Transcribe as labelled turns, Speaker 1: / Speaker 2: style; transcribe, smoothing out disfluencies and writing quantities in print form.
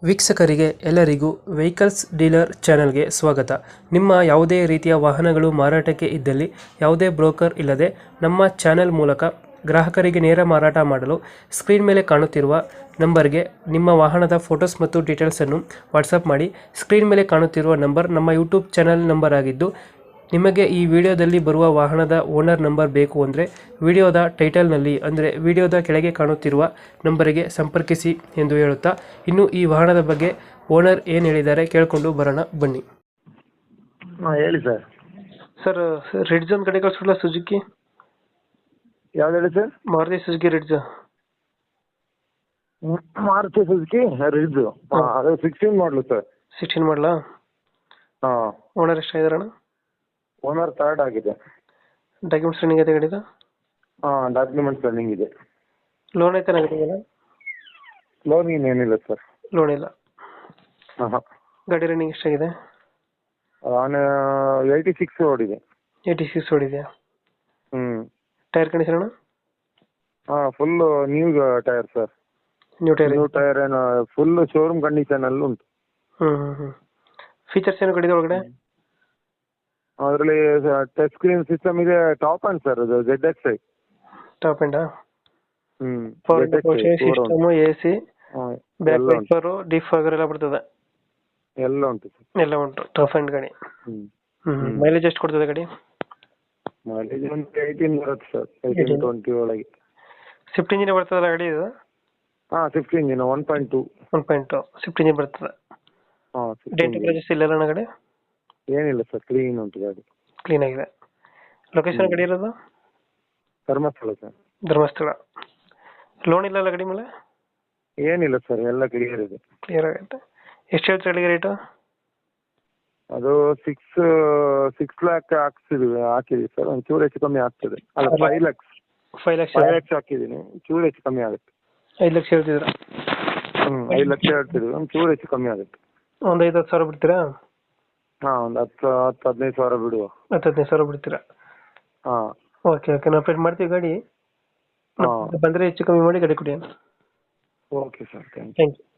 Speaker 1: ವೀಕ್ಷಕರಿಗೆ ಎಲ್ಲರಿಗೂ vehicles dealer ಚಾನೆಲ್ಗೆ ಸ್ವಾಗತ. ನಿಮ್ಮ ಯಾವುದೇ ರೀತಿಯ ವಾಹನಗಳು ಮಾರಾಟಕ್ಕೆ ಇದ್ದಲ್ಲಿ ಯಾವುದೇ ಬ್ರೋಕರ್ ಇಲ್ಲದೆ ನಮ್ಮ ಚಾನೆಲ್ ಮೂಲಕ ಗ್ರಾಹಕರಿಗೆ ನೇರ ಮಾರಾಟ ಮಾಡಲು ಸ್ಕ್ರೀನ್ ಮೇಲೆ ಕಾಣುತ್ತಿರುವ ನಂಬರ್ಗೆ ನಿಮ್ಮ ವಾಹನದ ಫೋಟೋಸ್ ಮತ್ತು ಡೀಟೇಲ್ಸನ್ನು ವಾಟ್ಸಪ್ ಮಾಡಿ. ಸ್ಕ್ರೀನ್ ಮೇಲೆ ಕಾಣುತ್ತಿರುವ ನಂಬರ್ ನಮ್ಮ ಯೂಟ್ಯೂಬ್ ಚಾನೆಲ್ ನಂಬರ್ ಆಗಿದ್ದು, ನಿಮಗೆ ಈ ವಿಡಿಯೋದಲ್ಲಿ ಬರುವ ವಾಹನದ ಓನರ್ ನಂಬರ್ ಬೇಕು ಅಂದರೆ ವಿಡಿಯೋದ ಟೈಟಲ್ನಲ್ಲಿ ಅಂದರೆ ವಿಡಿಯೋದ ಕೆಳಗೆ ಕಾಣುತ್ತಿರುವ ನಂಬರಿಗೆ ಸಂಪರ್ಕಿಸಿ ಎಂದು ಹೇಳುತ್ತಾ, ಇನ್ನು ಈ ವಾಹನದ ಬಗ್ಗೆ ಓನರ್ ಏನು ಹೇಳಿದ್ದಾರೆ ಕೇಳಿಕೊಂಡು ಬರೋಣ ಬನ್ನಿ.
Speaker 2: ಹಾಂ ಹೇಳಿ ಸರ್.
Speaker 1: ಸರ್, ರೆಡ್ ಝೋನ್ ಕಡೆ ಕಳಿಸಲ್ಲ ಸುಜುಕಿ?
Speaker 2: ಯಾವ್ದು ಹೇಳಿ sir?
Speaker 1: Maruti Suzuki red zone.
Speaker 2: Maruti Suzuki Ritz. ಹಾಂ, ಅದು 16 ಮಾಡಲು ಸರ್.
Speaker 1: 16 ಮಾಡಲಾ?
Speaker 2: ಹಾಂ.
Speaker 1: ಓನರ್ ಎಷ್ಟಾಗಿದಾರಣ?
Speaker 2: ಓನರ್ ಥರ್ಡ್ ಆಗಿದೆ.
Speaker 1: ಡಾಕ್ಯುಮೆಂಟ್ಸ್ ರನ್ನಿಂಗ್ ಇದೆ ಗಾಡಿದ?
Speaker 2: ಹಾಂ, ಡಾಕ್ಯುಮೆಂಟ್ಸ್ ರನ್ನಿಂಗ್ ಇದೆ.
Speaker 1: ಲೋನ್ ಐತೆ ಗಾಡಿಗೆಲ್ಲ?
Speaker 2: ಲೋನ್ ಏನಿಲ್ಲ ಸರ್.
Speaker 1: ಲೋನ್ ಇಲ್ಲ.
Speaker 2: ಹಾಂ ಹಾಂ.
Speaker 1: ಗಾಡಿ ರನ್ನಿಂಗ್ ಎಷ್ಟಾಗಿದೆ?
Speaker 2: ನಾನು 86 ಓಡಿದೆ.
Speaker 1: 86 ಓಡಿದೆಯಾ?
Speaker 2: ಹ್ಞೂ.
Speaker 1: ಟೈರ್ ಕಂಡೀಷನ್ ಅಣ್ಣ?
Speaker 2: ಹಾಂ, full new tyre sir.
Speaker 1: New tyre?
Speaker 2: New tyre ಏನು ಫುಲ್ ಶೋರೂಮ್ ಕಂಡೀಷನಲ್ಲಿ ಉಂಟು.
Speaker 1: ಹ್ಞೂ. ಫೀಚರ್ಸ್ ಏನು ಗಾಡಿದ ಒಳಗಡೆ?
Speaker 2: ಅದರಲ್ಲಿ ಟಚ್ ಸ್ಕ್ರೀನ್ ಸಿಸ್ಟಮ್ ಇದೆ. ಟಾಪ್ ಅಂಡ್ ಸರ್, ಅದು ZXi.
Speaker 1: ಟಾಪ್ ಎಂಡಾ?
Speaker 2: ಹ್ಞೂ.
Speaker 1: System, AC, back wiper, defogger ಎಲ್ಲ ಬರ್ತದೆ?
Speaker 2: ಎಲ್ಲ ಉಂಟು ಸರ್.
Speaker 1: ಎಲ್ಲ ಉಂಟು. ಟಾಪ್ ಎಂಡ್ ಗಾಡಿ.
Speaker 2: ಹ್ಞೂ.
Speaker 1: ಮೈಲೇಜ್ ಎಷ್ಟು ಕೊಡ್ತದೆ ಗಾಡಿ?
Speaker 2: ಮೈಲೇಜ್ ಒಂದು 18 ಬರುತ್ತೆ ಸರ್. 18-20 ಒಳಗೆ.
Speaker 1: ಸ್ವಿಫ್ಟ್ ಇಂಜಿನ್ ಬರ್ತದಲ್ಲ ಗಾಡಿ ಇದು?
Speaker 2: ಹಾಂ, ಸ್ವಿಫ್ಟ್ ಇಂಜಿನ್ 1.2.
Speaker 1: 1.2 ಸ್ವಿಫ್ಟ್ ಇಂಜಿನ್ ಬರ್ತದೆ.
Speaker 2: ಹಾಂ.
Speaker 1: ಡೆಂಟ್ ಕ್ರಾಚಸ್ ಇಲ್ಲ ಅಣ್ಣ ಗಾಡಿ?
Speaker 2: ಏನಿಲ್ಲ ಸರ್, ಕ್ಲೀನ್ ಉಂಟು ಗಾಡಿ.
Speaker 1: ಕ್ಲೀನ್ ಆಗಿದೆ. ಲೊಕೇಶನ್ ಗಾಡಿ ಇರೋದು?
Speaker 2: ಧರ್ಮಸ್ಥಳ ಸರ್.
Speaker 1: ಧರ್ಮಸ್ಥಳ. ಲೋನ್ ಇಲ್ಲ ಅಲ್ಲ ಗಾಡಿ ಮೇಲೆ?
Speaker 2: ಏನಿಲ್ಲ ಸರ್, ಎಲ್ಲ ಕ್ಲಿಯರ್ ಇದೆ.
Speaker 1: ಕ್ಲಿಯರ್ ಆಗುತ್ತೆ. ಎಷ್ಟು ಹೇಳ್ತೀರಿ ಗಾಡಿಗೆ ರೇಟು?
Speaker 2: ಅದು 6 ಲ್ಯಾಕ್ ಹಾಕಿದೀವಿ ಸರ್. ಒಂದು ಚೂರು ಹೆಚ್ಚು ಕಮ್ಮಿ ಆಗ್ತದೆ. ಅಲ್ಲ, 5 ಲ್ಯಾಕ್ಸ್.
Speaker 1: 5 ಲಕ್ಷ?
Speaker 2: 5 ಲ್ಯಾಕ್ಸ್ ಹಾಕಿದ್ದೀನಿ, ಚೂರು ಹೆಚ್ಚು ಕಮ್ಮಿ ಆಗುತ್ತೆ.
Speaker 1: 5 ಲಕ್ಷ ಹೇಳ್ತಿದ್ರ?
Speaker 2: 5 ಲಕ್ಷ ಹೇಳ್ತಿದ್ವಿ, ಒಂದು ಚೂರು ಹೆಚ್ಚು ಕಮ್ಮಿ ಆಗುತ್ತೆ.
Speaker 1: ಒಂದು 5-10 ಸಾವಿರ ಬಿಡ್ತೀರಾ?
Speaker 2: ಹಾಂ, ಒಂದು 10-15 ಸಾವಿರ ಬಿಡುವ.
Speaker 1: 10-15 ಸಾವಿರ ಬಿಡ್ತೀರಾ?
Speaker 2: ಹಾಂ.
Speaker 1: ಓಕೆ ನಾವು ಅಪ್ಡೇಟ್ ಮಾಡ್ತೀವಿ ಗಾಡಿ.
Speaker 2: ಹಾಂ,
Speaker 1: ಬಂದರೆ ಹೆಚ್ಚು ಕಮ್ಮಿ ಮಾಡಿ ಗಾಡಿ ಕೊಡಿ.
Speaker 2: Okay sir, thank you.
Speaker 1: Thank you.